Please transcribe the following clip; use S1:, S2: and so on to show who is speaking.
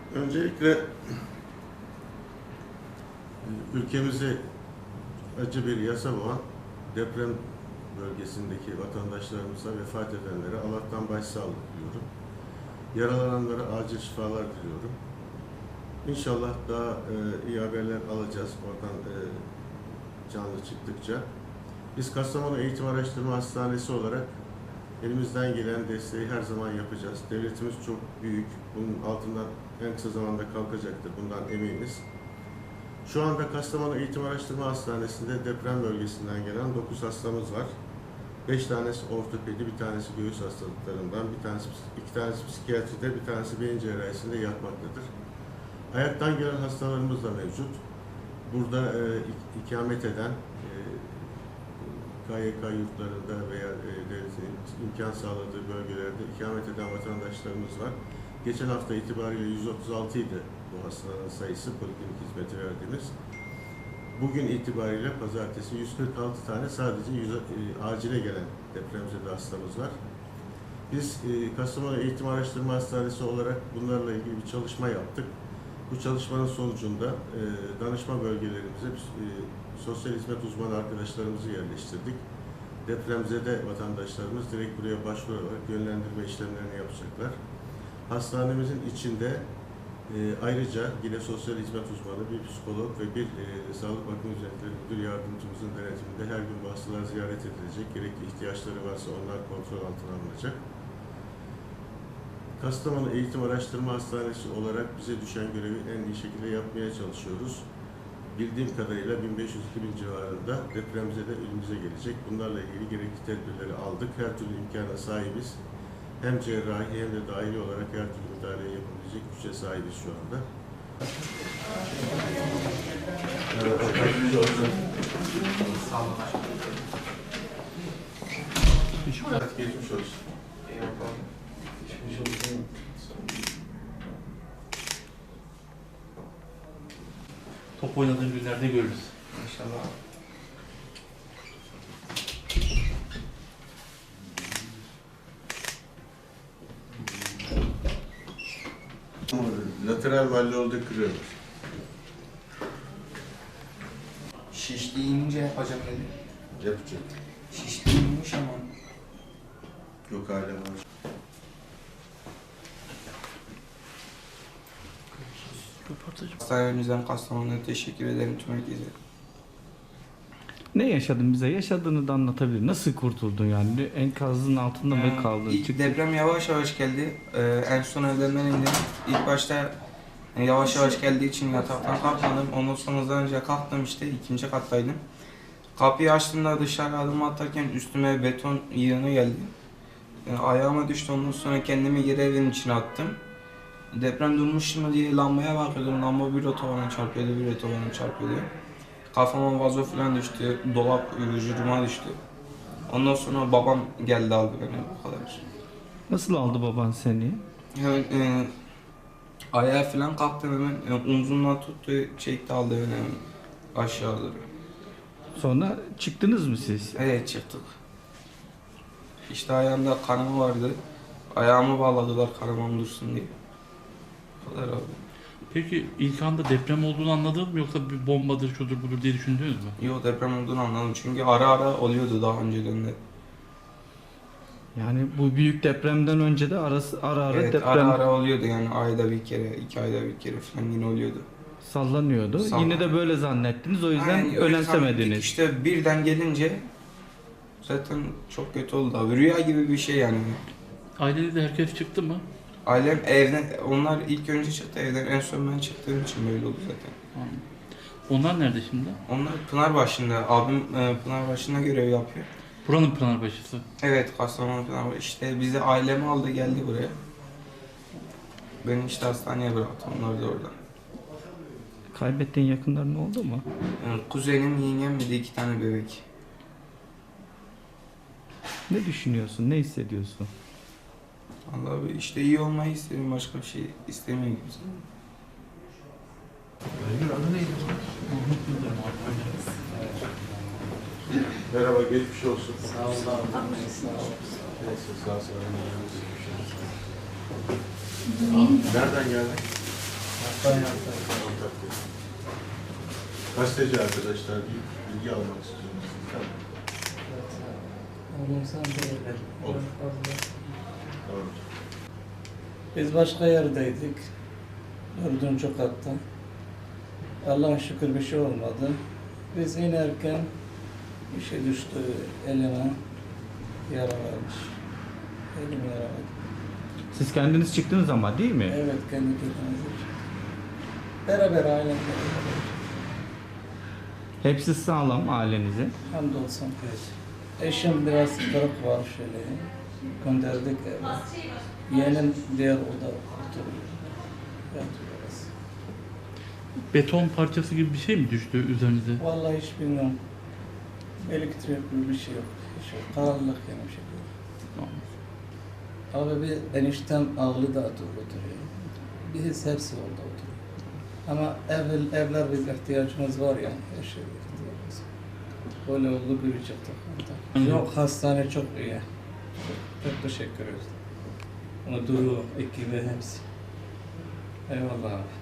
S1: Öncelikle ülkemizi acı bir yasa boğan deprem bölgesindeki vatandaşlarımıza, vefat edenlere Allah'tan başsağlığı diliyorum. Yaralananlara acil şifalar diliyorum. İnşallah daha iyi haberler alacağız oradan canlı çıktıkça. Biz Kastamonu Eğitim Araştırma Hastanesi olarak elimizden gelen desteği her zaman yapacağız. Devletimiz çok büyük. Bunun altından en kısa zamanda kalkacaktır. Bundan eminiz. Şu anda Kastamonu Eğitim Araştırma Hastanesi'nde deprem bölgesinden gelen 9 hastamız var. 5 tanesi ortopedi, bir tanesi göğüs hastalıklarından, iki tanesi psikiyatride, bir tanesi beyin cerrahisinde yatmaktadır. Ayaktan gelen hastalarımız da mevcut. Burada ikamet eden KYK yurtlarında veya devletin imkan sağladığı bölgelerde ikamet eden vatandaşlarımız var. Geçen hafta itibariyle 136 idi bu hastaların sayısı, poliklinik hizmeti verdiğimiz. Bugün itibariyle pazartesi 146 tane sadece acile gelen depremzede hastamız var. Biz Kastamonu Eğitim Araştırma Hastanesi olarak bunlarla ilgili bir çalışma yaptık. Bu çalışmanın sonucunda danışma bölgelerimize sosyal hizmet uzmanı arkadaşlarımızı yerleştirdik. Depremzede vatandaşlarımız direkt buraya başvurarak yönlendirme işlemlerini yapacaklar. Hastanemizin içinde ayrıca yine sosyal hizmet uzmanı, bir psikolog ve bir sağlık bakım hizmetleri müdür yardımcımızın denetiminde her gün bu hastalar ziyaret edilecek. Gerekli ihtiyaçları varsa onlar kontrol altına alınacak. Kastamonu Eğitim Araştırma Hastanesi olarak bize düşen görevi en iyi şekilde yapmaya çalışıyoruz. Bildiğim kadarıyla 1500-2000 civarında depremzede elimize gelecek. Bunlarla ilgili gerekli tedbirleri aldık. Her türlü imkana sahibiz. Hem cerrahi hem de dahili olarak her türlü müdahale yapabilecek güce sahibiz şu anda. Evet, geçmiş olsun.
S2: Top oynadığın günlerde görürüz.
S3: İnşallah.
S1: Lateral malleolda kırıyoruz.
S3: Şişliğince yapacağım dedi.
S1: Yapacak.
S3: Şişliğinmiş ama.
S1: Yok hala var.
S3: Hastanemizden Kastamonu'na teşekkür ederim tüm herkese.
S4: Ne yaşadın bize? Yaşadığını da anlatabilir. Nasıl kurtuldun yani? Enkazın altında mı kaldın?
S3: İlk deprem yavaş yavaş geldi. En son evlerden indim. İlk başta yavaş yavaş geldiği için yataktan kalkmadım. Ondan sonra önce kalktım işte ikinci kattaydım. Kapıyı açtığımda dışarı adım atarken üstüme beton yığını geldi. Ayağıma düştü, ondan sonra kendimi geri evin içine attım. Deprem durmuş mu diye lambaya bakıyordum. Lamba bir otobana çarpıyordu, bir otobana çarpıyordu. Kafama vazo falan düştü, dolap vücuduma düştü. Ondan sonra babam geldi aldı beni, bu kadar.
S4: Nasıl aldı baban seni?
S3: Hemen ayağa falan kalktım hemen, omzumdan tuttu, çekti aldı beni hemen aşağı doğru.
S4: Sonra çıktınız mı siz?
S3: Evet, çıktık. İşte ayağımda kanama vardı. Ayağımı bağladılar kanamam dursun diye. Bu kadar abi.
S2: Peki ilk anda deprem olduğunu anladın mı yoksa bir bombadır, şudur budur diye düşündünüz mü?
S3: Yok, deprem olduğunu anladım çünkü ara ara oluyordu daha önceden de.
S4: Yani bu büyük depremden önce de ara ara
S3: Evet,
S4: deprem
S3: ara ara oluyordu yani ayda bir kere, 2 ayda bir kere falan yine oluyordu.
S4: sallanıyordu. Yine de böyle zannettiniz. O yüzden
S3: Yani öyle zannettik.
S4: önemsemediniz.
S3: İşte birden gelince zaten çok kötü oldu abi. Rüya gibi bir şey yani.
S2: Ailede de herkes çıktı mı?
S3: Ailem evden, onlar ilk önce çıktı evden. En son ben çıktığım için böyle oldu zaten.
S2: Anladım. Onlar nerede şimdi?
S3: Onlar Pınarbaşı'nda, abim Pınarbaşı'nda görev yapıyor.
S2: Buranın Pınarbaşısı.
S3: Evet, Kastamonu Pınarbaşı. İşte bizi ailemi aldı geldi buraya. Beni işte hastaneye bıraktı, onlar da orada.
S4: Kaybettiğin yakınların oldu mu?
S3: Yani kuzenim, yengem bir de 2 tane bebek.
S4: Ne düşünüyorsun? Ne hissediyorsun?
S3: Vallahi işte iyi olmayı istedim, başka bir şey istemiyorum kimse.
S1: Merhaba, geçmiş olsun.
S3: Sağ ol abi. Sağ ol.
S1: Neyse, sağ olun. Nereden geldin? Antakya'da. Gazeteci arkadaşlar bilgi almak istiyoruz. Tamam. Olur. Tamam.
S5: Biz başka yerdeydik. 4. katta. Allah'a şükür bir şey olmadı. Biz inerken bir şey düştü elime. Yaralanmış. Elim yaraladı.
S4: Siz kendiniz çıktınız ama değil mi?
S5: Evet, kendi kendimize. Beraber ailemle beraber.
S4: Hepsi sağlam ailenize.
S5: Hamdolsun. Eşim biraz kırık var şöyle. Gönderdik eve. Yeğenim diğer oda oturuyor. Yatıyoruz.
S2: Beton parçası gibi bir şey mi düştü üzerinize?
S5: Vallahi hiç bilmiyorum. Elektrik bir şey yok. Hiç yok. Karanlık yani bir şey yok. Abi bir eniştem ağlı da oturuyor. Biz hepsi orada oturuyor. Ama evler biz ihtiyacımız var yani. Her şey ihtiyacımız var. Böyle oldu bir çıktık. Yok, hastane çok iyi. Çok teşekkür ederiz. Müdürü, ekibi hepsi. Eyvallah abi.